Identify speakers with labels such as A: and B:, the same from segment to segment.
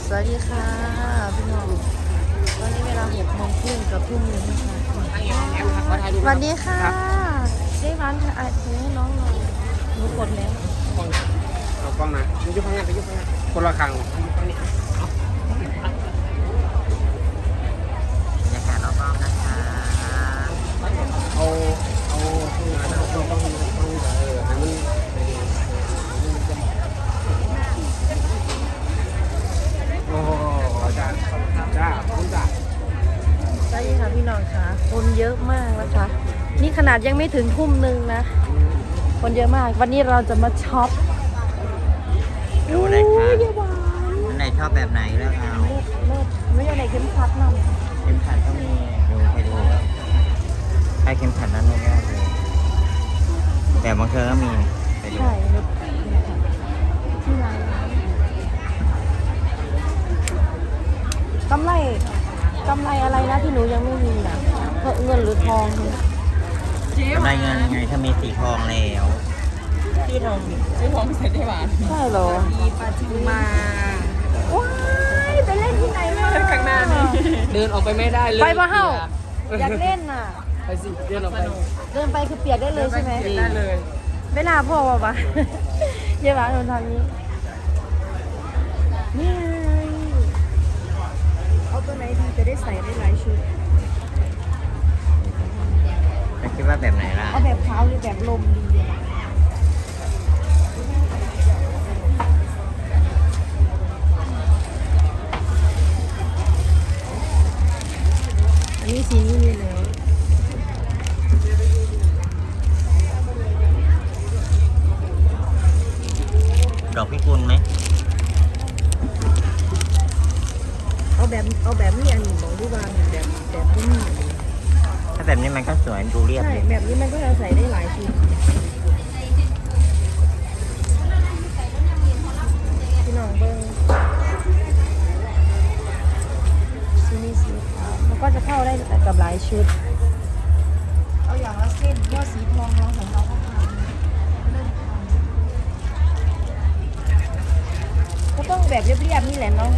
A: สวัสดีค่ะพี่น้องตอนนี้เวลา6 โมงครึ่งกับทุ่มหนึ่งนะคะสวัสดีค่ะได้ร้านถ่ายให้น้องหน่อยหนูกดแล้ว
B: เอากล้องนะไปยุบข้างหน้าไปยุบข้างหน้าคนละครั้งยุบข้างนี้
C: บรรยากาศรอบๆนะคะ
B: เอาข้างหน้านะต้องให้มันโอ้จ้าคุณจ้า
A: สวัสดีค่ะพี่น้องค่ะคนเยอะมากนะคะนี่ขนาดยังไม่ถึงทุ่มหนึ่งนะคนเยอะมากวันนี้เราจะมาช็อป
C: ดูเลยค่ะ
A: เยอะหวาน
C: อันไหนชอบแบบไหนเลือกเอา
A: เลิศไม่ใช่ไหนเข้มขัดนำ
C: เข็มขัดก็มีดูไปดูใช้เข็มขัดนั้นไม่ได้เลยแต่บางเธอก็มีไปดู
A: ใช่เลิศที่ร้านกำไรอะไรนะที่หนูยังไม่มีนะเงินหรือทองเนี่ย
C: กำไรเงินไงถ้ามีสีทองแล้ว
D: ซื้อทองเสร็จได้หวาน
A: ใช่เหรอ
D: มีปลาทูมา
A: ว้ายไปเล่นที่ไหนมา
D: ข้างหน้านี่เดินออกไปไม่ได้เลย
A: ไปมาเฮ้าอยากเล่นน่ะ
D: ไปสิเดินออกไป
A: เดินไปคือเปียกได้เลยใช่ไหม
D: ได้เลย
A: เวลาพ่อวะ เยาว์โดนทางนี้นี่ไงเอาตัวไหนดีจะได้ใส่ได้หลายชุด
C: แล้วคิดว่าแบบไหนล่ะ
A: เอาแบบเท้าหรือแบบลมดีอันนี้สีนี้มีแล้ว
C: ดอกพิกุลไหม
A: เอาแบบนี้อันนี้บอกดูว่าแบบนี้
C: ถ้าแบบนี้มันก็สวยดูเรียบ
A: ใช่
C: เลย
A: แบบนี้มันก็จะใส่ได้หลายชุดพี่น้องเบิ้งสีนี้สีขาวมันก็จะเข้าได้กับหลายชุดเอาอย่างละเส้นเพราะสีทองเราของเราก็ทำเริ่มทำก็ต้องแบบเรียบๆนี่แหละเนาะ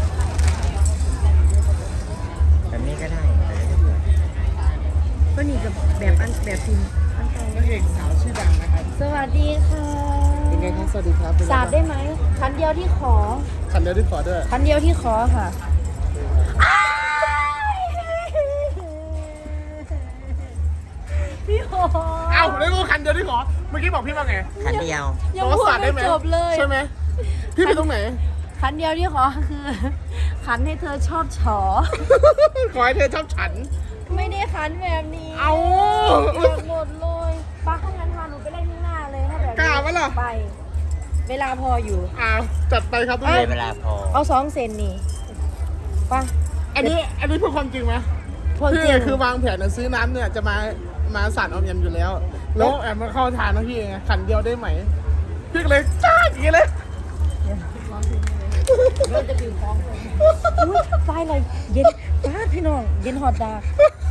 C: แบบนี้ก็ได้แต่ก็สวย
A: ก็นี่กับแบบพิมพ์อันเก่า
D: พระเอกสาวชื่อดังนะครับ
A: สวัสดีค่ะ
D: เป็นไงครับสวัสดีครับ
A: สาดได้ไหมคันเดียวที่ขอ
D: คันเดียวที่ขอด้วย
A: คันเดียวที่ขอค่ะพี่หอ
D: เอ้าแล้วก็คันเดียวที่ขอเมื่อกี้บอกพี่ว่าไง
C: คันเดียว
A: ยังพูดไม่จบเลย
D: ใช่ไหมพี่ไปตรงไหน
A: คันเดียวที่ขอคือคันให้เธอชอบฉอ
D: ขอให้เธอชอบฉัน
A: ไม่ได้คันแบบนี้
D: เอา
A: เปียกหมดเลยป้าข้างนั้นพาหนูไปเล่นข้างหน้าเลยถ้าแบบ
D: กล้าปะล่ะ
A: ไป เวลาพออยู่
D: อ้าวจัดไปครับทุก
C: เล
D: ค
C: ย
D: น
C: เวลาพอ
A: เอา2 เซนนี่ป้า
D: อันนี้พูดความจริงไหม
A: พวก
D: พี่
A: จริง
D: คือวางแผนจะซื้อน้ำเนี่ยจะมาสั่นออมยำอยู่แล้ว แล้วแอบมาเข้าทานนะพี่ไงขันเดียวได้ไหมพี่ก็เลยจ้าอย่างนี้เลย
A: เราจะดื่มพร้อมกันอุ้ยไฟเลยเย็นป้าพี่น้องเย็นหอดดา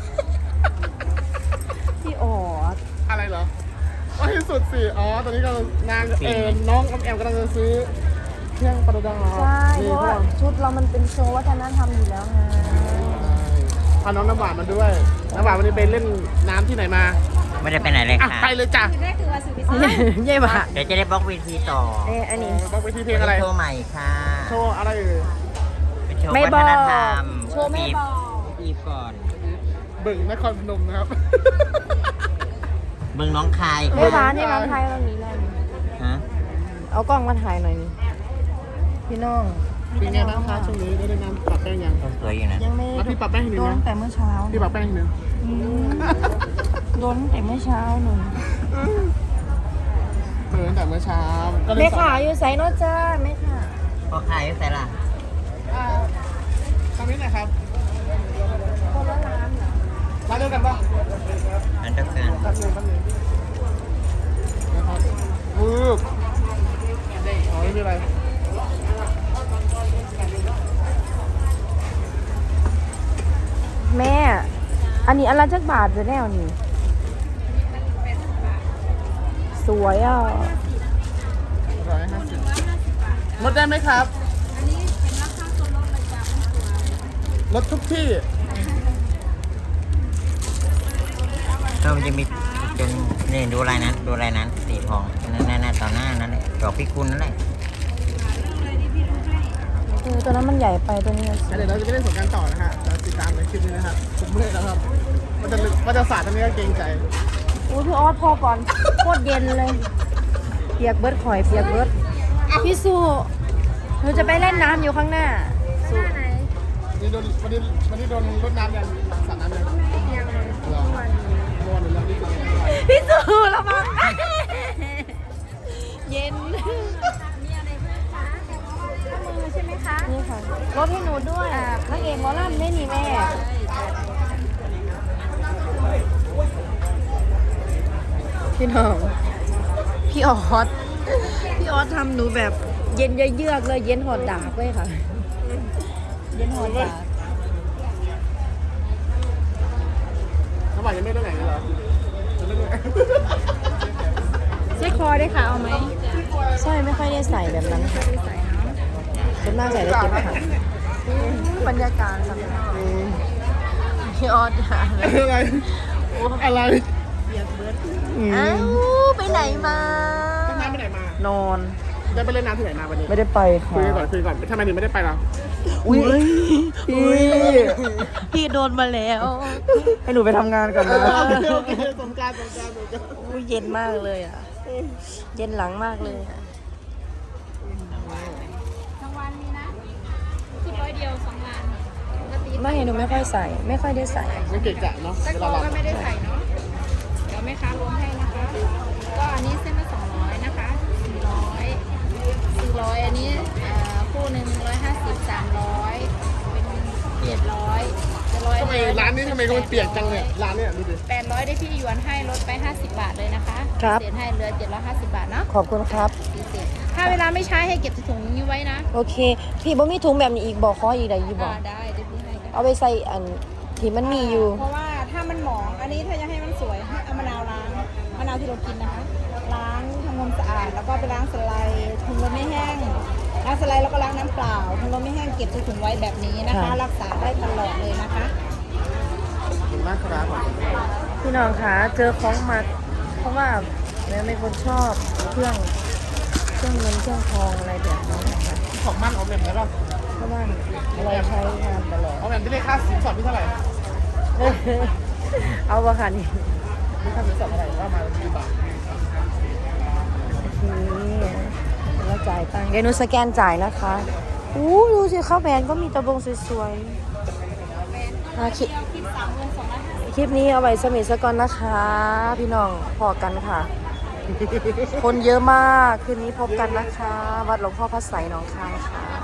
A: พี่ออด
D: อะไรเหรอว่าที่สุดสิอ๋อตอนนี้กำลังน้องออมแอมกำลังจะซื้อเครื่องประดับ
A: ใช่เพราะว่าชุดเรามันเป็นโชว์วัฒนธรรมอยู่แล้วไง
D: พาน้องน้ำหวานมาด้วยน้ำหวานวันนี้ไปเล่นน้ำที่ไหนมา
C: ไม่ได้ไปไหนเลย
D: อ่ะ
C: ค่ะ
D: ไปเลยจ้ะ
A: เย่บ่ะ
C: เดี๋ยวจะได้บล็อกเวทีต่อ
A: อันนี้
D: ต้องไปที่เพลงอะไร
C: โชว์ใหม่ค่ะ
D: โชว์อะไรเอ่ย
C: เป็นโชว์
A: ไม่
C: วั
A: บ
C: ฒ
A: อก
C: นธรรม
A: โชว์ไม่บอก
C: ปีก่อน
D: บึ่งนครพนมนะครับ
C: เมืองน้องคาย
A: ไม่
C: ค่ะ
A: ร้านให้น้องไทยตรงนี้เลย
C: ฮะ
A: เอากล้องมาถ่ายหน่อยนี่พี่น้อง
D: เป็นไงบ้างคะช่วงนี้ได้น้ำปรับแป้งยัง
C: สวยอยู่นะ
A: ยังไม่
D: แล้วพี่ปรับแป้งให้หนึ่
A: โด
D: ง
A: น
D: นะ
A: แต่เมื่อเช้า
D: พี่ปรับแป้งให้หนึ่ง
A: โดนแต่เมื่อเช้าหนู
D: ตั้งแต่เมื่อเช้าก็เลย
A: แม่ขาอยู่ไซโนจ้าแม่ขา
C: พอขายใส่ละ
D: ทำนี้หน่อยครับ
A: คนละร้านเหรอ
D: ร้านเดียวกันปะ
C: อันเดียวกัน
D: แป๊บนึงนะครับวืบอ๋อไม่มีอะไร
A: แม่ อันนี้อันละจักบาทจะแน่วนี่สวยอ่ะ
D: 150ลดได้ไหมครับ
E: อันนี้เป็นราคาส่วนลดเลยจ้า
D: รถทุกที่
C: ก็มันจะมีจนนี่ดูลายนั้นสีทองนั่นต่อหน้านั่นแหละดอกพิกุลนั่นแหละ
A: ตัวนั้นมันใหญ่ไปตัวนี้
D: เดี๋ยวเราจะไปเล่นสงกรารต่อนะฮะเราติดตามในคลิปนี้นะครับผมเมื่อยแล้วครับมันจะสาดตรงนี้ก็เกรงใจ
A: อุ้ยพี่ออสพอก่อนโคตรเย็นเลย เปียกเบิร์ดข่อยเปียกเบิร์ดพี่สุหนูจะไปเล่นน้ำอยู่ข้างหน้าหน้าไหน
D: วันนี้โดนรดน้ำยังสาดน้ำยังยังเลยเมื่อวานนี้แล้วนี่คือ
A: พี่สุระวังเย็น
E: มีอะไรบ้างคะมือใช่ไหมคะ
A: นี่ค่ะรถให้หนูด้วยนางเอกหมอลำได้นี่แม่พี่น้องพี่ออสทำหนูแบบเย็นเยือกเลยเย็นหอดดากเลยค่ะ เย็นหอดดาก
D: เขาบอกยังไม่ได้ไหนเลยเหรอจะไม่ได้ไหน
E: ใช้คอได้ค่ะเอาไหม
A: ใช่ไม่ค่อยได้ใส่แบบนั้นค่ะ
E: ใส่เนาะ
A: ส่วนมากใส่ได้เก็บค่ะบรรยากาศค่ะพี่ออสค่ะ
D: อะไรอะไร
A: อ้าวไปไหนมา
D: ต้นน้ำไปไหนมาน
A: อน
D: ได้ไปเล่นน้ำที่ไหนมาวันนี้
A: ไม่ได้ไปค่ะ
D: คุยก่อนทำไมถึงไม่ได้ไปล่ะ
A: อุ้ยพี่โดนมาแล้ว
B: ให้หนูไปทำงานก่อนนะ
D: โอเคสงกราร
A: อุ้ยเย็นมากเลยอ่ะ เย็นหลังมากเลยอ่ะ
E: รางวัลมีนะชุด100 เดียว2 งานปกติ
A: ไม่หนูไม่ค่อยใส่ ไม่ค่อยได้ใส่
D: ไม่เก่งกะเนาะ
E: ตะโกก็ไม่ได้ใส่เนาะเดี๋ยวแม่ค้ารวมให้นะคะ ก็อันนี้เส้นละ200นะคะ400อันนี้คู่หนึ่ง150 300เป็น700จะ100
D: ทำไมร้านนี้ทำไมมันเปียกจังเนี่ยร้านเนี่ยดูดิ
E: 800ได้พี่หยวนให้ลดไป50 บาทเลยนะคะ
A: ครับ
E: เศษให้เหลือ750 บาทเนาะ
A: ขอบคุณครับ
E: พิเศษถ้าเวลาไม่ใช้ให้เก็บใส่ถุงนี้ไว้นะ
A: โอเค พี่บ่มีถุงแบบนี้อีกบอกขออีกได้ยี่บอก
E: ได้เดี๋ยวพี่ให้กัน
A: เอาไปใส่อันที่มันมีอยู่
E: เพราะว่าถ้ามันหมองอันนี้ถ้าจะให้มันสวยให้เอามะนาวล้างมะนาวที่เรากินนะคะ ล้างทำความสะอาดแล้วก็ไปล้างสไลด์ถุงลมไม่แห้งล้างสไลด์แล้วก็ล้างน้ำเปล่าถุงลมไม่แห้งเก็บใส่ถุงไว้แบบนี้นะคะ
A: ค่ะ
E: รักษาได้ตลอดเลยนะคะ
D: ขอบคุณมากครับ
A: พี่น้องคะเจอของมัดเพราะว่าแม่เป็นคนชอบเครื่องเงินเครื่องทองอะไรแบบนี้นะคะ
D: ของมั่นเอาแบบไหนบ้าง
A: เพราะว่าเราใช้งานตลอด
D: เอาแบบที่ได้ค่าสินสอดที่เท่าไหร่
A: เอาวะค่ะนี่
D: ค่าสินสอดเท่าไหร่ว่ามากี่บาท
A: นี่เราจ่ายตังค์เดี๋ยวหนูสแกนจ่ายนะคะอู้ดูสิข้าวแบรนด์ก็มีตะบงสวยๆคลิปนี้เอาไว้สมิธสกอนนะคะ พี่น้องพอกันค่ะ คนเยอะมากคืนนี้พบกันนะคะ วัดหลวงพ่อพระไสยหนองคายค่ะ